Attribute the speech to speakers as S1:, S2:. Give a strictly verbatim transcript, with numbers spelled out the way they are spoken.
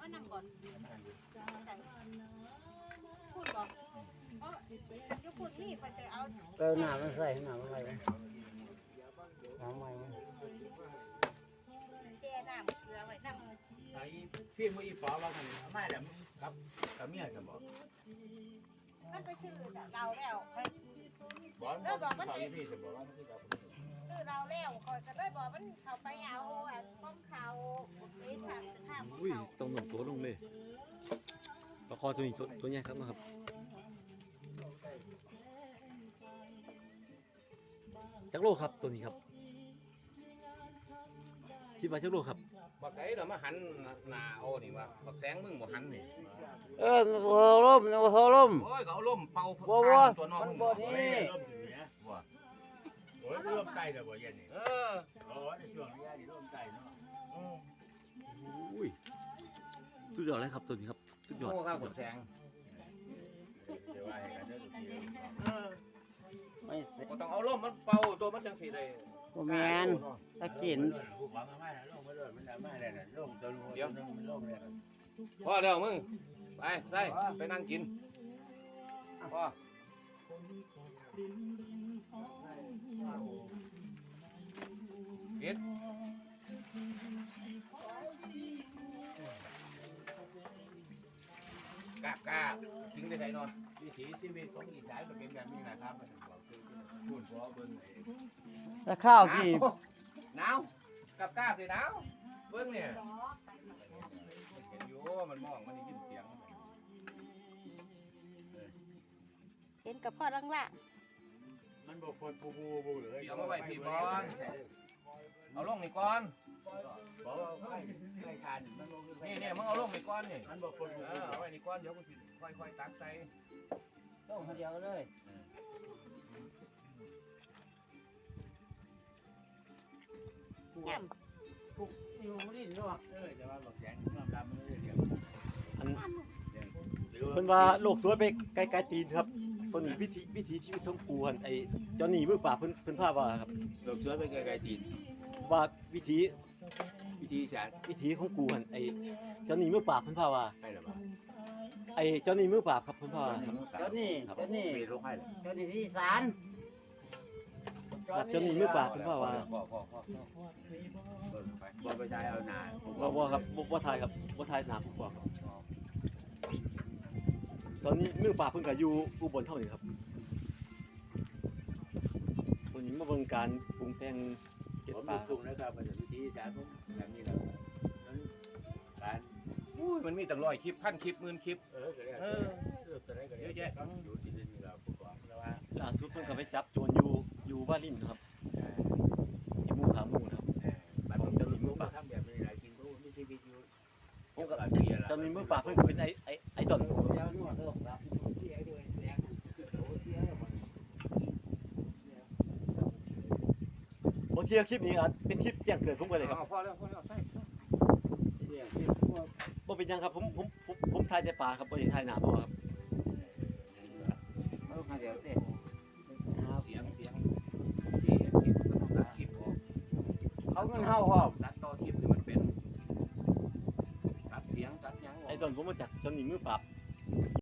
S1: มานั่งก่อนพูดบอกเพราะยุคุณนี่คอยจะเอา
S2: เติมน้ำมันใส่น้ำมันอะไรน้ำใหม่
S1: แช่น้ำเกลือไว้น้ำ
S3: ไอ้ฟิล์มอีป๋อว่ามันไม่แหละกับกับเมียจะบอก
S1: มันไปซื้อเราแล้วคอย
S3: บอกมันบอกมันพี่จะบอกว่ามันคือกับ
S1: ซื้อเราแล้วคอยจะเลยบอกมันเขาไปเอาอันของเขาเลี้ยงทางข้ามของ
S4: อุ้ย
S1: เขา
S4: ต้องหนุนตัวลงเลยปลาคอตัวนี้ตัวตัวใหญ่ครับนะครับจักโลครับตัวนี้ครับคิดว่าจักโลครับ
S3: บักไอ้เรามาหันหน้าโอ้นี่วะบักแสงมึงบ่หันนี่
S2: เออโหล่มโหล่ม
S3: โอ้ยเขาล่มเป่า
S2: บ่บ่
S3: ตัวน้อง
S2: มันบ่นี่
S3: ล่มอยู่เนี่ยบ่โอ้ยล่มใจแต่บ่เย็นนี่เออโอ้ยในช่วงนี้นี่ล่มใจเนาะ
S4: อุ้ยสุดยอดเลยครับตัวนี้ครับสุดยอด
S3: โอ้ข้าวกดแสงเดี๋ยวว่าให้กันเด้อทุกทีเออ
S2: ไม่เสร็จ
S3: ก็ต้องเอาล่มมันเป่าตัวมันจังสิได้
S2: บ่แมนตะกิน
S3: ผู้ฟังมาแล้วล่มมาเลยมันมาได้น่ะล่มตัวนึงเดี๋ยวมันล่มเลยพอเดี๋ยวมึงไปใส่ไปนั่งกินพอกินกาบกาบทิ้งได้ไงนอนวิถีชีวิตของอีสานมันเป็นแบบนี้นะครับมันบอกคือพูดเพราะเบิ่ง
S2: แล้วข้าวกี่
S3: หนาวกาบกาบสิหนาวเบิ่งเนี่ยเห็นอยู่มันมองมันได้ยินเสียง
S1: เห็นกับพ่อล่างล่าง
S5: มันบอกคนปูปูปูเลย
S3: เอามาไว้พี่บอลเอาลงนี่ก่อน
S5: บอกว่าไม่ไม่ทานมันบอก
S3: นี่เนี่ยมึงเอาลงนี่ก่อนนี่
S5: มันบอกคนปู
S3: เออเอาไว้นี่ก่อนเดี๋ยวกูสิค่อยๆตักใส่
S2: ต้องเดียวเลย
S1: แง่ม
S2: อยู่นี่เนาะ
S5: เออจะว่าบอกแสงน้ำดำมันเลยเดียว
S4: อันเพิ่นว่าโลกสวยไปไกลๆตีนครับตัวนี้วิธีวิถีชีวิตของปูหันไอ้เจ้าหนี้มือปราบเพิ่นเพิ่นพาว่าครับ
S3: ดอกเสือไปไกลๆตีน
S4: ว่าวิถี
S3: วิธีสาร
S4: วิถีของปูหันไอ้เจ้าหนี้มือปราบเพิ่นพาว่า
S3: ให้หรือเปล่า
S4: ไอ้เจ้าหนี้มือปราบครับเพิ่นพาว่าครับ
S2: เจ้านี่เจ้านี่
S3: มีโรคให้หรือ
S2: เจ้านี่ที่ศาล
S4: ครับเจ้าหนี้มือปราบเพิ่นพาว่า
S3: พ่อพ่อพ่อบ่ไปใจเอาหนา
S4: บ่บ่ครับบ่บ่ทายครับบ่ทายหนาผมบอกครับตอนนี้มือปราบเพิ่นก็อยู่อุบลเท่านี้ครับตัวนี้มาเบิ่งการปรุงแต่งเก็บ
S5: ผม
S4: ปลา
S5: ปรุงนะครับมันจะวิธีสารผมแบบนี้แหละการ
S3: อุ้ยมันมีตั้งร้อยคลิปพันคลิปหมื่นคลิป
S5: เออก็ได้เออเออก็ได้ก็ได้เยอะแยะอยู่ที่นี่เราผู้กองแล้วว่า
S4: ล่าสุดเพิ่นก็ไปจับโจรอยู่อยู่บ้านริมครับอยู่หมู่ขาหมู่ครับ
S5: บ้านผมจะรู้ว่าทำแบบนี้หลายจริงรู้ไม่ใช่วิธีผมก็แบบนี้แหละ
S4: เจ้าหนี้มือปราบเพิ่นก็เป็นไอ้ไอ้ไอ้ต้น
S2: เดี๋ยวนวดเด้อครับ
S5: เสียด้วยแสงโอ้เสียหมด
S4: บางทีคลิปนี้อาจเป็นคลิปแจ้งเกิดผมก็เลยครับ
S3: พอแล้วพอแล้วใส่
S5: เนี่ยที่พวก
S4: บ่เป็นหยังครับผมผมผมผมถ่ายแต่ปลาครับบ่ได้ถ่ายหน้าบ่ครับ
S2: เอามาเดี๋ยวสิ
S3: เสียงเสียงที่เห็นคลิปก็ต้องตัดคลิปออก
S2: เขาเงินเฮาพร้อม
S3: ตัดต่อคลิปที่มันเป็นตัดเสียงตัดหยังออก
S4: ไอ้ต้นผมมาจากเจ้าหนี้มือปราบ